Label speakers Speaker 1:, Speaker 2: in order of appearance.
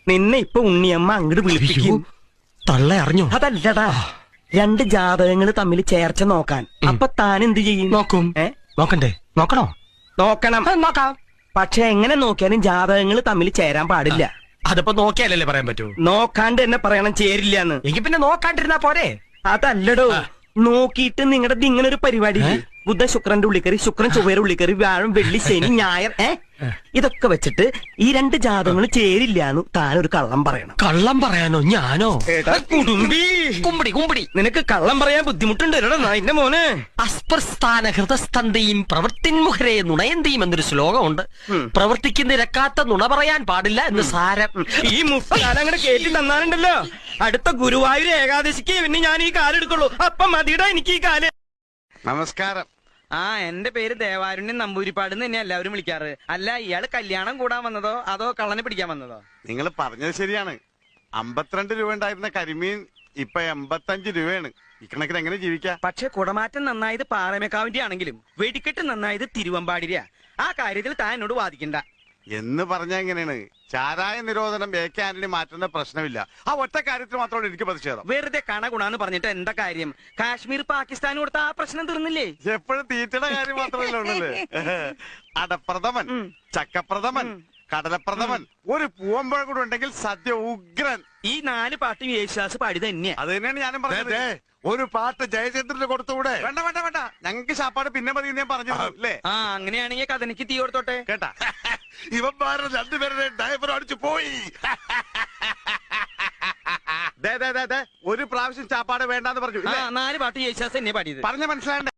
Speaker 1: നിന്നെ ഇപ്പൊ ഉണ്ണിയമ്മ അങ്ങോട്ട് വിളിപ്പിക്കും.
Speaker 2: തള്ള അറിഞ്ഞോ?
Speaker 1: അതല്ലടാ, രണ്ട് ജാതകങ്ങൾ തമ്മിൽ ചേർച്ച നോക്കാൻ. അപ്പൊ താൻ എന്ത് ചെയ്യും?
Speaker 2: നോക്കും. നോക്കണ്ടേ? നോക്കണോ?
Speaker 1: നോക്കണം.
Speaker 2: നോക്കാം.
Speaker 1: പക്ഷെ എങ്ങനെ നോക്കിയാലും ജാതകങ്ങൾ തമ്മിൽ ചേരാൻ പാടില്ല.
Speaker 2: അതിപ്പോ നോക്കിയാലല്ലേ പറയാൻ പറ്റൂ.
Speaker 1: നോക്കാണ്ട് തന്നെ പറയണം ചേരില്ലാന്ന്.
Speaker 2: എങ്കിൽ പിന്നെ നോക്കാണ്ടിരുന്നാ പോരെ?
Speaker 1: അതല്ലടോ, നോക്കിയിട്ട് നിങ്ങളുടെ ഇങ്ങനെ ഒരു പരിപാടി ബുധ ശുക്രന്റെ ഉള്ളിക്കറി, ശുക്രൻ ചൊവ്വയുടെ ഉള്ളിക്കറി, വ്യാഴം വെള്ളി ശനി ഞായർ ഇതൊക്കെ വെച്ചിട്ട് ഈ രണ്ട് ജാതകങ്ങൾ ചേരില്ലാന്ന് താനൊരു കള്ളം പറയണം.
Speaker 2: കള്ളം പറയാനോ? ഞാനോ?
Speaker 1: കുടുംബി
Speaker 2: കുമ്പടി കുമ്പടി,
Speaker 1: നിനക്ക് കള്ളം പറയാൻ ബുദ്ധിമുട്ടുണ്ട് എന്റെ മോനെ.
Speaker 2: അസ്പൃസ്ഥാന ഹൃദസ്തന്തയും പ്രവൃത്തിൻമുഖരെ നുണയന്തിയും എന്നൊരു ശ്ലോകമുണ്ട്. പ്രവർത്തിക്ക് നിരക്കാത്ത നുണ പറയാൻ പാടില്ല എന്ന് സാരം.
Speaker 1: ഈ മുസ്താൻ അങ്ങനെ കേട്ടി തന്നാലുണ്ടല്ലോ, അടുത്ത ഗുരുവായൂർ ഏകാദശിക്ക് പിന്നെ ഞാൻ ഈ കാലെടുക്കുള്ളൂ. അപ്പം മതിയുടെ എനിക്ക് ഈ കാല്.
Speaker 3: നമസ്കാരം.
Speaker 1: എന്റെ പേര് ദേവാരുണ്യൻ നമ്പൂരിപ്പാട് തന്നെ എല്ലാവരും വിളിക്കാറ്. അല്ല, ഇയാള് കല്യാണം കൂടാൻ വന്നതോ അതോ കള്ളനെ പിടിക്കാൻ വന്നതോ?
Speaker 3: നിങ്ങൾ പറഞ്ഞത് ശരിയാണ്. 52 രൂപ ഉണ്ടായിരുന്ന കരിമീൻ ഇപ്പൊ 85 രൂപയാണ്. ഇക്കണക്കിന് എങ്ങനെ ജീവിക്കാം?
Speaker 1: പക്ഷെ കുടമാറ്റം നന്നായത് പാറമേക്കാവിന്റെ ആണെങ്കിലും വെടിക്കെട്ട് നന്നായത് തിരുവമ്പാടിരിയാ. ആ കാര്യത്തിൽ താൻ എന്നോട് വാദിക്കണ്ട
Speaker 3: എന്ന് പറഞ്ഞാ എങ്ങനെയാണ്? ചാരായ നിരോധനം AK ആന്റണി മാറ്റുന്ന പ്രശ്നമില്ല. ആ ഒറ്റ കാര്യത്തിൽ മാത്രമാണ് എനിക്ക് പ്രതിഷേധം.
Speaker 1: വെറുതെ കണ ഗുണാന്ന് പറഞ്ഞിട്ട് എന്താ കാര്യം? കാശ്മീർ പാകിസ്ഥാൻ കൊടുത്ത ആ പ്രശ്നം തീർന്നില്ലേ?
Speaker 3: എപ്പോഴും തീറ്റയുടെ കാര്യം മാത്രമല്ല ഉള്ളല്ലേ. അടപ്രഥമൻ, ചക്കപ്രഥമൻ, കടലപ്രഥമൻ, ഒരു പൂവമ്പഴ കൂടെ ഉണ്ടെങ്കിൽ സദ്യ ഉഗ്രൻ.
Speaker 1: ഈ 4 പാട്ടും യേശുദാസ് പാടി തന്നെയാ.
Speaker 3: അത് തന്നെയാണ് ഞാനും പറഞ്ഞത്. ഒരു പാട്ട് ജയചന്ദ്രന് കൊടുത്തുകൂടെ? വേണ്ട വേണ്ട വേണ്ട, ഞങ്ങൾക്ക് ശാപ്പാട് പിന്നെ മതി ഞാൻ പറഞ്ഞു അല്ലേ.
Speaker 1: അങ്ങനെയാണെങ്കിൽ കഥനിക്ക് തീ കൊടുത്തോട്ടെ
Speaker 3: കേട്ടാ. ഇവന്മാരുടെ രണ്ടുപേരുടെ ഡ്രൈവർ അടിച്ചു പോയി. ഒരു പ്രാവശ്യം ചാപ്പാട് വേണ്ടെന്ന് പറഞ്ഞു.
Speaker 1: 4 പാട്ട് യേശുദാസ് തന്നെ പാടിയത്.
Speaker 3: പറഞ്ഞ മനസ്സിലായ